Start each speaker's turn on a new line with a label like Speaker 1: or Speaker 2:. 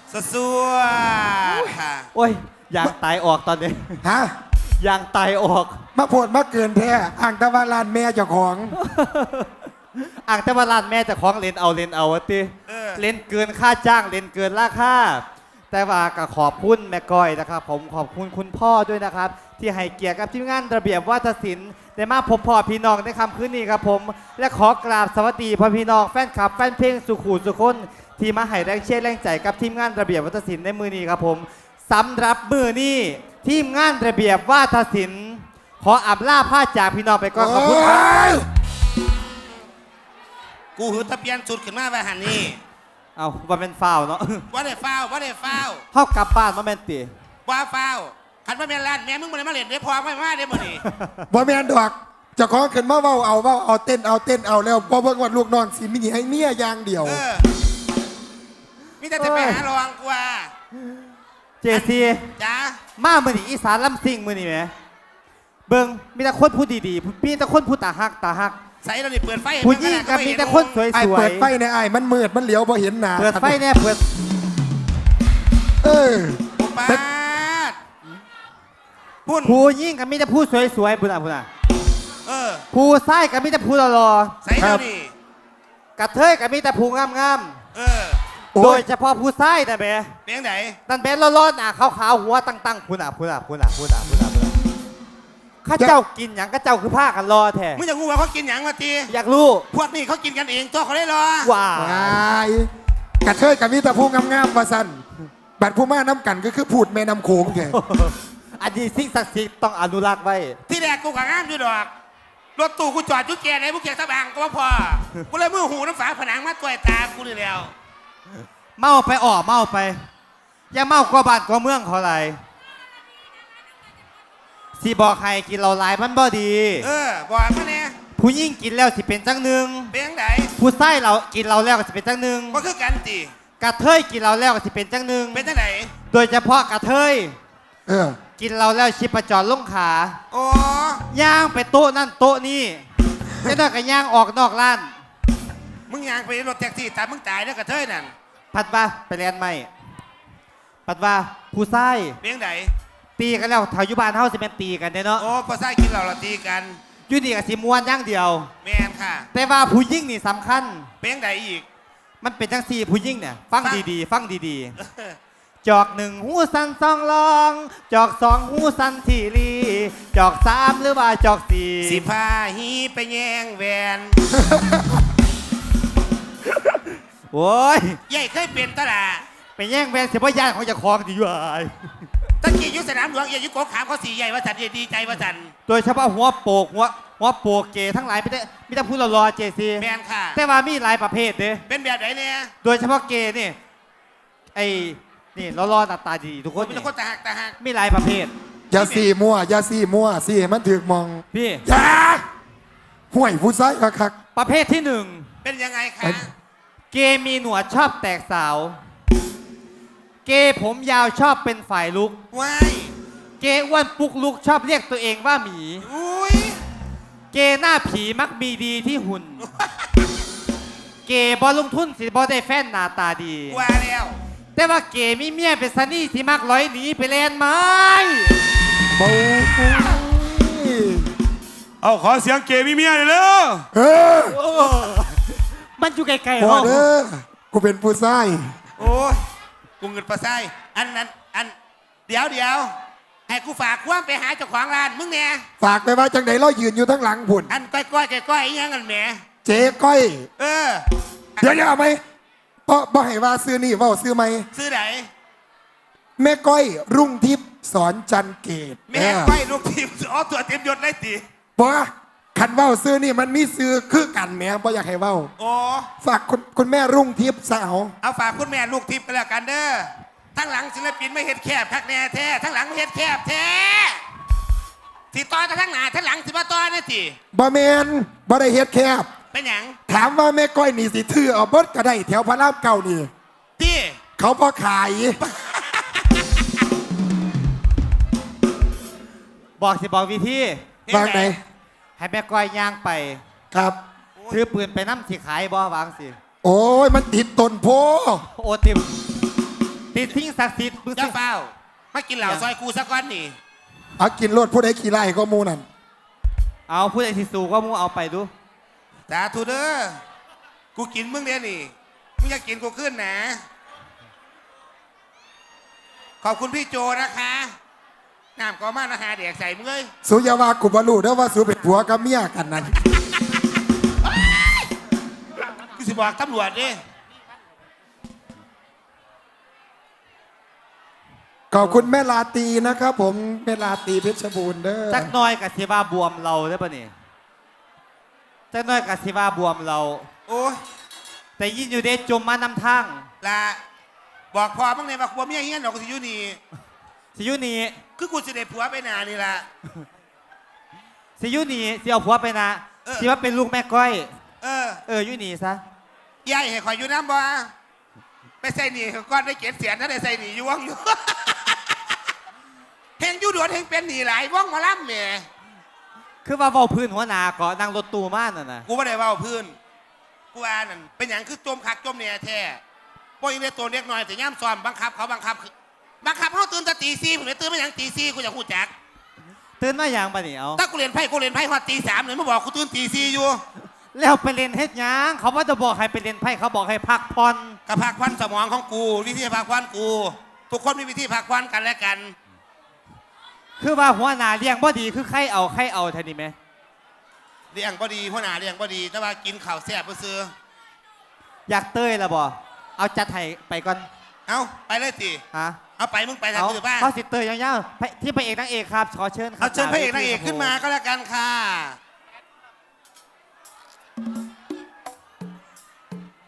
Speaker 1: สัวค่ะ
Speaker 2: โอ้ยยางตายออกตอนนี้
Speaker 3: ฮะ
Speaker 2: ยางตายออก
Speaker 3: มาโพดมาเกินแท้อ่างตะวันลานแม่เจ้าของ
Speaker 2: อ่างแต่ว่าร้านแม่จะคล้องเลนเอาวะติเลนเกินค่าจ้างเลนเกินราคาแต่ว่าก็ขอบคุณแม่ก้อยนะครับผมขอบคุณคุณพ่อด้วยนะครับ ที่ให้เกียรติกับทีมงานระเบียบวาทศิลป์ได้มาพบพ่อพี่น้องในค่ำคืนนี้ครับผมและขอกราบสวัสดีพ่อพี่น้องแฟนคลับแฟนเพลงสุขุสุคนที่มาให้แรงเชียร์แรงใจกับทีมงานระเบียบวาทศิลป์ในมือนี้ครับผมสำหรับมือนี้ทีมงานระเบียบวาทศิลป์ขออับล่าผ้าจากพี่น้องไปก่อนขอบคุณครับ
Speaker 1: กูหือตะเพียนสุดขึ้นมาไปหันนี่
Speaker 2: เอาว่าเป็นฟาวเนาะ
Speaker 1: ว่าได้ฟ้าวว่าได้ฟ้าว
Speaker 2: เข้ากลับบ้านมาแม่นตี
Speaker 1: ว่าฟ้าวขันมาเป็นร้านแม่มึงมาเลยมาเล่นเดี๋ยวพอไม่มาเดี๋ยวมื้อนี้
Speaker 3: บ่แม่นดอกเจ้าของขึ้นมาเว้าเอาเต้นเอาแล้วพอเบิ่งว่าลูกน้องสิมีให้เมียอย่างเดียว
Speaker 1: มิแต่จะไปหาลองกว่า
Speaker 2: เจซี
Speaker 1: จ้า
Speaker 2: มามือนี่อีสานลำซิ่งมือนี่ไหมเบิ่งมีแต่คนพูดดีๆมีแต่คนพูดตาฮัก
Speaker 1: ใส่เราดิเปิดไฟ
Speaker 2: ผู้หญิงก็มีแต่คนสวย
Speaker 3: ไอ้เปิดไฟในไอ้มันมืดมันเหลียวบ่เห็นหน้า
Speaker 2: เปิดไฟเนี่ยเปิด
Speaker 3: เออ
Speaker 1: ปาดพุ่น
Speaker 2: ผู้หญิงก็มีแต่ผู้สวยๆพุ่นอ่ะผู้ชายก็มีแต่ผู้หล่อ
Speaker 1: ใส่เราดิ
Speaker 2: ๆกระเทยก็มีแต่ผู้งาม
Speaker 3: โอ้
Speaker 2: ๆโดย
Speaker 3: ย
Speaker 2: เฉพาะผู้ชายนะเบ
Speaker 1: เปียงไหน
Speaker 2: นั่นเบร้อนๆขาวๆหัวตั้งๆพุ่นอ่ะข้าเจ้ากินหยังข้าเจ้าคือผ้ากันรอแท้
Speaker 1: มึงอยากรู้ว่าเขากินหยังมาตี
Speaker 2: อยากรู้
Speaker 1: พวกนี้เขากินกันเองตัวเขาได้รอ
Speaker 2: ว้าว
Speaker 3: วายกระเทยกับมีแต่ผู้งามๆว่าซั่นบัดผู้มาน้ำกันก็คือพูดแม่น้ำโขงแก
Speaker 2: อันนี้สิ่งศักดิ์สิทธิ์ต้องอนุรักษ์ไว้
Speaker 1: ที่แรกกูกับงามอยู่ดอกรถตู้กูจอดจุดแก่ไหนพวกแกตะบางก็ว่าพอกูเลยมือหูน้ำฝาผนังมาตัวตากูนี่แล้ว
Speaker 2: เมาไปเมาไปอย่าเมากว่าบ้านกว่าเมืองเขาไรสิบอกให้กินเราหลายมันบ่ดี
Speaker 1: บอกมาเนี่ย
Speaker 2: ผู้หญิงกินแล้วสิเป็นจังหนึ่ง
Speaker 1: เปียงไหน
Speaker 2: ผู้ชายเรากินเราแล้วก็สิเป็นจังหนึ่ง
Speaker 1: ก็คือกันตี
Speaker 2: กระเทยกินเราแล้วก็สิเป็นจังหนึ่ง
Speaker 1: เป็นจังไหน
Speaker 2: โดยเฉพาะกระเทย
Speaker 3: เออ
Speaker 2: กินเราแล้วชิปจรลงขา
Speaker 1: โอ้
Speaker 2: ย่างไปโต๊ะนั่นโต๊ะนี่จะได้ก็ย่างออกนอกร้าน
Speaker 1: มึงยางไปรถแท็กซี่ตายมึงตายแล้วกระเทยนั่น
Speaker 2: พัดว่าไปเรียนใหม่พัดว่าผู้ชาย
Speaker 1: เปียงไหน
Speaker 2: ตีกันแล้วแถวยุบานเฮาสิเป็นตีกันเนาะ
Speaker 1: โอ้พอใส่กินเราตีกัน
Speaker 2: อยู่ดีกับสิมวนอย่างเดียว
Speaker 1: แมนค่ะ
Speaker 2: แต่ว่าผู้หญิงนี่สำคัญ
Speaker 1: เปียงไหนอีก
Speaker 2: มันเป็นจังสี่ผู้หญิงเนี่ยฟังดีๆฟังดี
Speaker 1: เออ
Speaker 2: ๆจอกหนึ่งหูสันสองลอง จอกสองหูสันทีรีจอกสามหรือว่าจอกสี่
Speaker 1: สิพาฮีไปแย่งแหวน
Speaker 2: โอ้ย
Speaker 1: ใหญ่เคยเป็นตลาด
Speaker 2: ไปแย่งแวนเสียพ่อยานของเจะคลองดีอยู่ไอ้
Speaker 1: ตะกี้อยุสนามหลวงเอียยุโกขามเขาสีใหญ่ว่าสันดีใจว่าสัน
Speaker 2: โดยเฉพาะหัวโปกหัวโปกเกย์ทั้งหลายไม่ได้พูดรอเจซี
Speaker 1: แมนค่ะ
Speaker 2: แต่ว่ามีหลายประเภทเด้
Speaker 1: เป็นแบบไหนเนี่ย
Speaker 2: โดยเฉพาะเกย์นี่ไอ้นี่รอหน้าตาดีทุกคน
Speaker 1: เป็น
Speaker 2: นี่
Speaker 1: คนตาหักตาหัก
Speaker 2: มีหลายประเภท
Speaker 3: อย่าสี่มั่วสี่ให้มันถึกมอง
Speaker 2: พี่
Speaker 3: อย่าห่วยผู้ชายคัก
Speaker 2: ประเภทที่หนึ่ง
Speaker 1: เป็นยังไงคะ
Speaker 2: เกย์มีหนวดชอบแตกสาว เกย์ผมยาวชอบเป็นฝ่ายลุก
Speaker 1: ว้าย
Speaker 2: เกย์อ้วนปุกลุกชอบเรียกตัวเองว่าหมี
Speaker 1: อุ้ย
Speaker 2: เกย์หน้าผีมักมีดีที่หุ่น เกย์บอลงทุนสิบอได้แฟนหน้าตาดี
Speaker 1: ว่าแล้ว
Speaker 2: แต่ว่าเกย์มีเมียเป็นซันนี่สิมักร้อยหนีไปแลนไม้
Speaker 3: ๆเบา
Speaker 4: เอาขอเสียงเกมีเมียหน่อยเร็ว
Speaker 3: เออ
Speaker 2: มันอยู่ไกลๆ
Speaker 3: พอ
Speaker 2: เนาะ
Speaker 3: เด้อกูเป็นผู้ชาย
Speaker 1: โอ้ยกูเงินปลาไส้อันนั้นอันเดี๋ยวให้กูฝากความไปหาเจ้าของร้านมึงเนี่ย
Speaker 3: ฝากไปว่าจังไหนเรายืนอยู่ทั้งหลังพุ่น
Speaker 1: อันก้อยอีหยังกันแหม
Speaker 3: เจ๊ก้อย
Speaker 1: เออ
Speaker 3: เดี๋ยวเอาไหมบ่ให้ว่าซื้อนี่เว่าซื้อไหม
Speaker 1: ซื้อไหน
Speaker 3: แม่ก้อยรุ่งทิพย์สอนจันเกต
Speaker 1: แม่ก้อยลูกทีมอ๋อตัวเต็มยศเลยตี
Speaker 3: เพราะคันเว้าซื้อนี่มันมีซื้อคือกันแหม่บ่อยากให้เว้า
Speaker 1: โอ้
Speaker 3: ฝากคุณแม่รุ่งทิพย์สาว
Speaker 1: เอาฝากคุณแม่ลูกทิพย์ไปแล้วกันเด้อทั้งหลังศิลปินไม่เห็ดแคบทักแน่แท้ทั้งหลังไม่เห็ดแคบแท้ที่ต่อจะทั้งหน้าทั้งหลังสิมาต่อเนี่ยสิ
Speaker 3: บ่แมนบ่ได้เฮ็ดแคบ
Speaker 1: เป็นหยัง
Speaker 3: ถามว่าแม่ก้อยนี่สิถือเอาเบิดก็ได้แถวพระรามเก่านี่
Speaker 1: ที่
Speaker 3: เขาพอขาย
Speaker 2: บอกวิธี
Speaker 3: วางไหน
Speaker 2: ให้แม่ก้อยย่างไป
Speaker 3: ครับ
Speaker 2: ถือปืนไปน้ำสิขายบ่วางสิ
Speaker 3: โอ้ยมันติดต้นโพ
Speaker 2: โอติมติดทิ้งศักดิ์สิทธิ์มึง
Speaker 1: เจ้า
Speaker 2: สิ
Speaker 1: เฝ้ามากินเหล่าซอยกูสักก้อนนี่
Speaker 3: เอากินรถผู้ใดขี่ไล่ก็หมูนั่น
Speaker 2: เอาพูดไอ้ที่สูก็มึงเอาไปดู
Speaker 1: สาธุเด้อกูกินมึงเดี๋ยวนี่มึงอยากกินกูขึ้นนะขอบคุณพี่โจนะคะน้ำก็มานะฮะเด็กใส่มึงเลย
Speaker 3: สุยาวากุบาลูเด้อว่าสุเป็นผัวกับเมียกันนั่น
Speaker 1: กูสิบอกตำรวจดิ
Speaker 3: ขอบคุณแม่ลาตีนะครับผมแม่ลาตีเพชรบูรณ์เด้อ
Speaker 2: จักหน้อยกับสิว่าบวมเราได้ปะนี่จักหน้อยกับสิว่าบวมเรา
Speaker 1: โอ้ย
Speaker 2: แต่ยินอยู่เดชจมมานำทาง
Speaker 1: ละบอกพอบ้างเนี่ยว่าผัวเมียเฮี้ยนดอกกูสิอยู่นี่
Speaker 2: สิอยุนี
Speaker 1: คือกูสิได้ผัวไปนานนี่ละ
Speaker 2: สิอยุนีสิเอาผัวไปนะ
Speaker 1: เออ
Speaker 2: สิว่าเป็นลูกแม่ก้อย
Speaker 1: เออ
Speaker 2: อยุนีซะ
Speaker 1: ยายให้คอยอยู่น้ำบ่ไปใส่หนีก้อนได้เก็บเสียนถ้าได้ใส่หนีอยู่ว่องอยู่ เฮงอยู่ดวนเฮงเป็นหนีหลายว่องมาล่ำแหม่
Speaker 2: คือว่าเว้าพื้นหัวหนาก็นั่งรถตู้มาน่ะนะ
Speaker 1: กูไม่ได้เว่าพื้นกูอ่านนั่นเป็นอย่างคือจมคักจมเนี่ยแท้พวกอีเวนตัวเล็กน้อยแต่ย่ำซ้อมบังคับเขาบังคับเขาตื่นแต่ตี4ผมเลยตื่นมาอย่างตี4กูอยากหูจัก
Speaker 2: ตื่นมาอย่างปะนี่เอา
Speaker 1: ถ้ากูเรียนไพ่ฮอดตี3เลยมาบอกกูตื่นตี4อยู่
Speaker 2: แล้วไปเล่นเฮ็ดหยังเขาว่าจะบอกให้ไปเล่นไพ่เขาบอกให้พักผ่อน
Speaker 1: กับพักควันสมองของกูวิธีพักควันกู ทุกคนมีวิธีพักควันกันและกัน
Speaker 2: คือว่าหัวหนาเลี้ยงบ่ดีคือใครเอาเท่านี้ไหม
Speaker 1: เลี้ยงบ่ดีหัวหน้าเลี้ยงบ่ดีแต่ว่ากินข้าวแซ่บซื้อ
Speaker 2: อยากเต้ยละบ่เอาจัดให้ไปก่อน
Speaker 1: เอาไปเลยสิ
Speaker 2: ฮะ
Speaker 1: เอาไปมึงไปทาง
Speaker 2: เอา
Speaker 1: อื่นบ้าง
Speaker 2: เขาสิเต้ยยาวๆที่พระเอกนางเอกครับขอเชิญครับ
Speaker 1: เอาเชิญพระเอกนางเอกขึ้นมาก็แล้วกันค่ะ